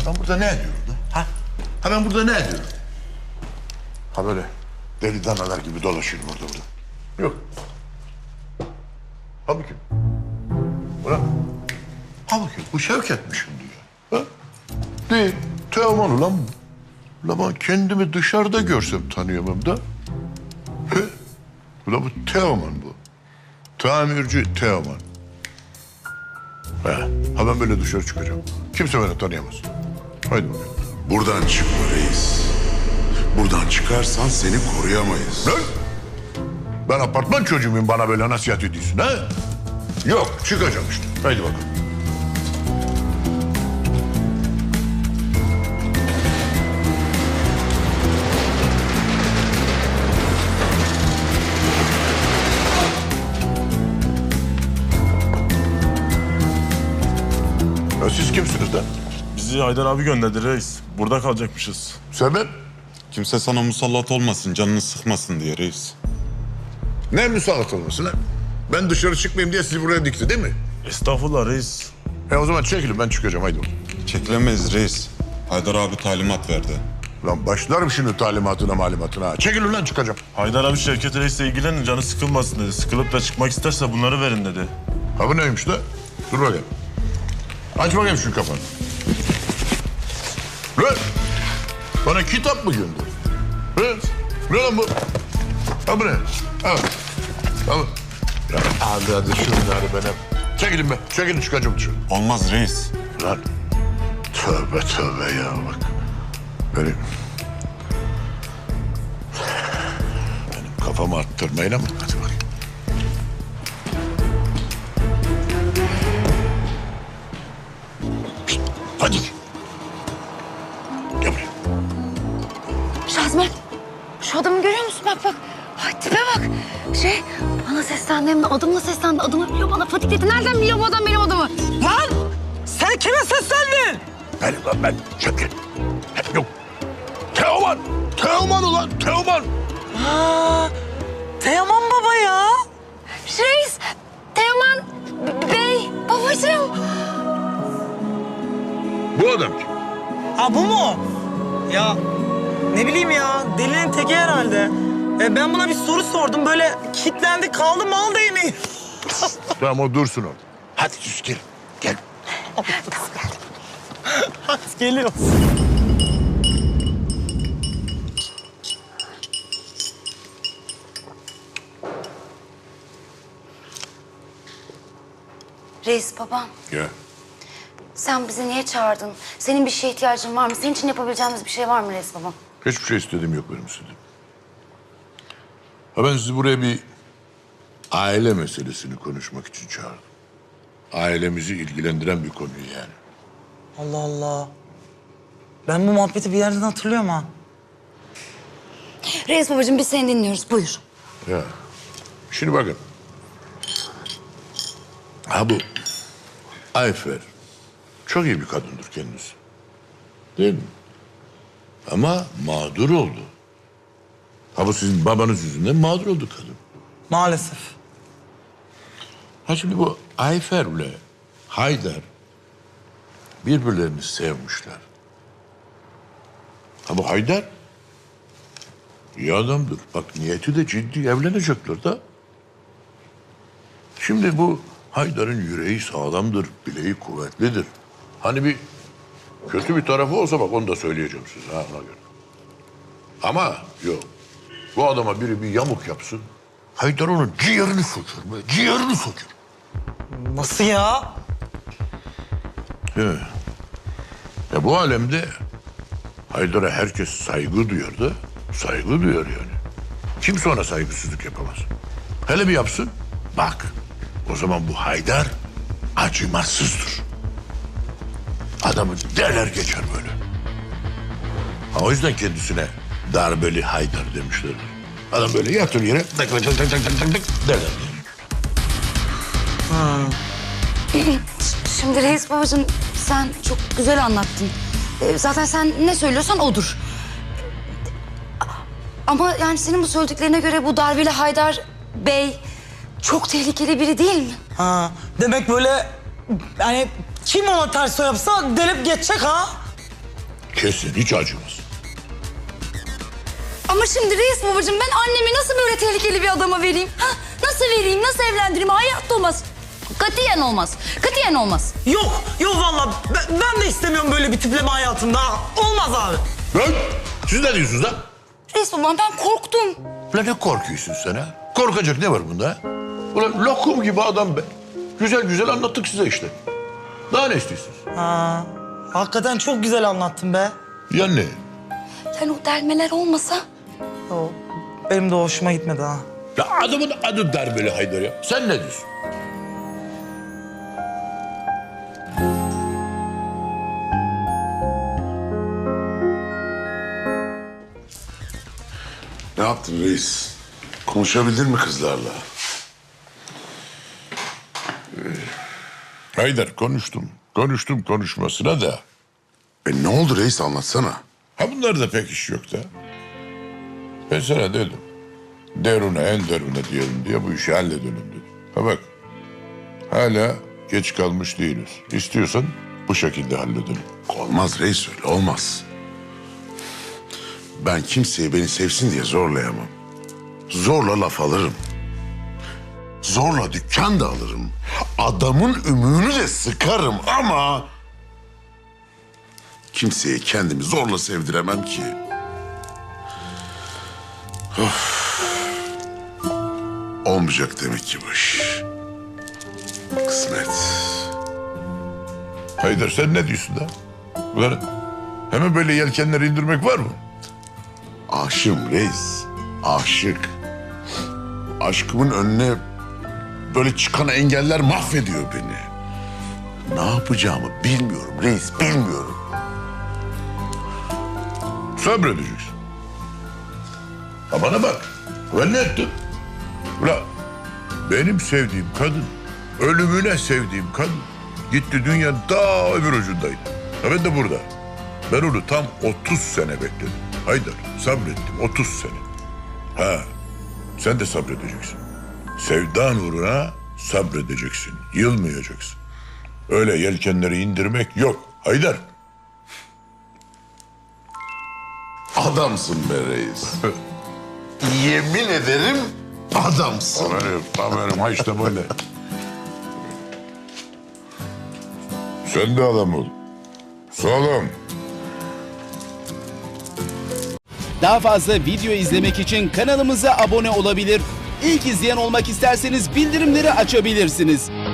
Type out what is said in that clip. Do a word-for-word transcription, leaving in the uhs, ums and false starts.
Ben burada ne ediyorum da? Ha? Ha ben burada ne ediyorum? Ha böyle deli danalar gibi dolaşıyorum orada burada. Yok. Ha bakayım. Bırak. Ha bakayım. Bu Şevket'miş şimdi ya. Ha? Değil. Teoman ulan bu. Ulan ben kendimi dışarıda görsem tanıyamam da. He? Ulan bu Teoman bu. Tamirci Teoman. He. Ha ben böyle dışarı çıkacağım. Kimse beni tanıyamaz. Haydi bakalım. Buradan çıkma reis. Buradan çıkarsan seni koruyamayız. Ne? Ben apartman çocuğuyum, bana böyle nasihat ediyorsun ha? Yok, çıkacağım işte. Haydi bakalım. Ya siz kimsiniz lan? Bizi Haydar abi gönderdi reis. Burada kalacakmışız. Sebep? Kimse sana musallat olmasın, canını sıkmasın diye reis. Ne müsaade olması lan? Ben dışarı çıkmayayım diye sizi buraya dikti değil mi? Estağfurullah reis. E o zaman çekilin, ben çıkacağım, haydi bakalım. Çekilemeyiz reis. Haydar abi talimat verdi. Lan başlarım şimdi talimatına malumatına. Çekilin lan, çıkacağım. Haydar abi Şevket reisle ilgilenin, canı sıkılmasın dedi. Sıkılıp da çıkmak isterse bunları verin dedi. Ha bu neymiş lan? Dur bakayım. Aç bakayım şu kafanı. Lan! Bana kitap mı gönderdin? Lan! Ne lan bu? Ha bu ne? Al. Al. Ya hadi hadi şunları bana. Çekilin be. Çekilin, çıkacağım dışarı. Olmaz reis. Lan. Tövbe tövbe ya bak. Benim... Benim kafamı attırmayın ama hadi bakayım. Şişt, hadi. Gel buraya. Şazmen, şu adamı görüyor musun? Bak bak. Ay tipe bak. Şey, bana seslendi hem de adımla seslendi. Adımı biliyor bana. Fatih dedi. Nereden biliyor bu adam benim adımı? Lan! Sen kime seslendin? Benim lan ben. Şevket. Yok. Teoman. Teoman ulan. Teoman. Aa, Teoman baba ya. Reis, Teoman Bey, babacığım. Bu adam kim? Ha bu mu? Ya ne bileyim ya, delinin teki herhalde. E, ben buna bir soru sordum, böyle kilitlendi kaldı, mal değil mi? Tamam o dursun orada. Hadi sus gel. Gel. Hadi geliyor. Reis babam, Gel. sen bizi niye çağırdın? Senin bir şeye ihtiyacın var mı? Senin için yapabileceğimiz bir şey var mı Reis babam? Hiçbir şey istediğim yok benim sizden. Ha ben sizi buraya bir aile meselesini konuşmak için çağırdım. Ailemizi ilgilendiren bir konuyu yani. Allah Allah. Ben bu muhabbeti bir yerden hatırlıyorum ha. Reis babacığım biz seni dinliyoruz. Buyur. Ya. Şimdi bakın. Ha bu Ayfer çok iyi bir kadındır kendisi. Değil mi? Ama mağdur oldu. Ha bu sizin babanız yüzünden mağdur oldu kadın. Maalesef. Ha şimdi bu Ayfer'le Haydar birbirlerini sevmişler. Ha bu Haydar iyi adamdır. Bak niyeti de ciddi, evlenecekler de. Şimdi bu Haydar'ın yüreği sağlamdır, bileği kuvvetlidir. Hani bir kötü bir tarafı olsa bak onu da söyleyeceğim size ha ona göre. Ama yok. Bu adama biri bir yamuk yapsın. Haydar onun ciğerini söker be, ciğerini söker. Nasıl ya? Ya, ya bu alemde Haydar'a herkes saygı duyar da saygı duyar yani. Kimse ona saygısızlık yapamaz. Hele bir yapsın, bak o zaman bu Haydar acımasızdır. Adamı derler geçer böyle. Ha, o yüzden kendisine darbeli Haydar demişler. Adam böyle yatır yere tık tık tık tık tık tık tık derler. Şimdi Reis babacığım sen çok güzel anlattın. Ee, Zaten sen ne söylüyorsan odur. Ama yani senin bu söylediklerine göre bu darbeli Haydar Bey çok tehlikeli biri değil mi? Ha, demek böyle yani kim ona ters o yapsa delip geçecek ha? Kesin hiç acımaz. Ama şimdi reis babacığım ben annemi nasıl böyle tehlikeli bir adama vereyim? Ha? Nasıl vereyim, nasıl evlendireyim? Hayatta olmaz. Katiyen olmaz. Katiyen olmaz. Yok, yok vallahi ben, ben de istemiyorum böyle bir tipleme hayatımda. ha. Olmaz abi. Lan siz ne diyorsunuz lan? Reis babam ben korktum. Ulan ne korkuyorsun sen ha? Korkacak ne var bunda ha? Ulan lokum gibi adam be. Güzel güzel anlattık size işte. Daha ne istiyorsunuz? Ha, hakikaten çok güzel anlattın be. Ya ne? Yani o delmeler olmasa... O, benim de hoşuma gitmedi ha. Ya adamın adı darbeli Haydar ya. Sen ne diyorsun? Ne yaptın reis? Konuşabildin mi kızlarla? Haydar konuştum. Konuştum konuşmasına da. E ne oldu reis anlatsana. Ha bunlarda pek iş yok da. Ben sana dedim. Derune en derune diyelim diye bu işi halledelim dedim. Ha bak. Hala geç kalmış değiliz. İstiyorsan bu şekilde halledelim. Olmaz reis öyle olmaz. Ben kimseye beni sevsin diye zorlayamam. Zorla laf alırım. Zorla dükkan da alırım. Adamın ümüğünü de sıkarım ama... kimseye kendimi zorla sevdiremem ki. Of. Olmayacak demek ki bu iş. Kısmet. Haydar sen ne diyorsun da? Ulan hemen böyle yelkenleri indirmek var mı? Aşığım reis. Aşık. Aşkımın önüne böyle çıkan engeller mahvediyor beni. Ne yapacağımı bilmiyorum reis, bilmiyorum. Sabredeceksin. Ha bana bak. Ben ne ettim? Ulan benim sevdiğim kadın, ölümüne sevdiğim kadın gitti dünyanın daha öbür ucundaydı. Ha ben de burada. Ben onu tam otuz sene bekledim. Haydar sabrettim otuz sene. Ha sen de sabredeceksin. Sevdan uğruna sabredeceksin. Yılmayacaksın. Öyle yelkenleri indirmek yok. Haydar. Adamsın be reis. Yemin ederim adamsın. Aferin, aferin. Ha işte böyle. Sen de adam ol. Sağlam. Daha fazla video izlemek için kanalımıza abone olabilir. İlk izleyen olmak isterseniz bildirimleri açabilirsiniz.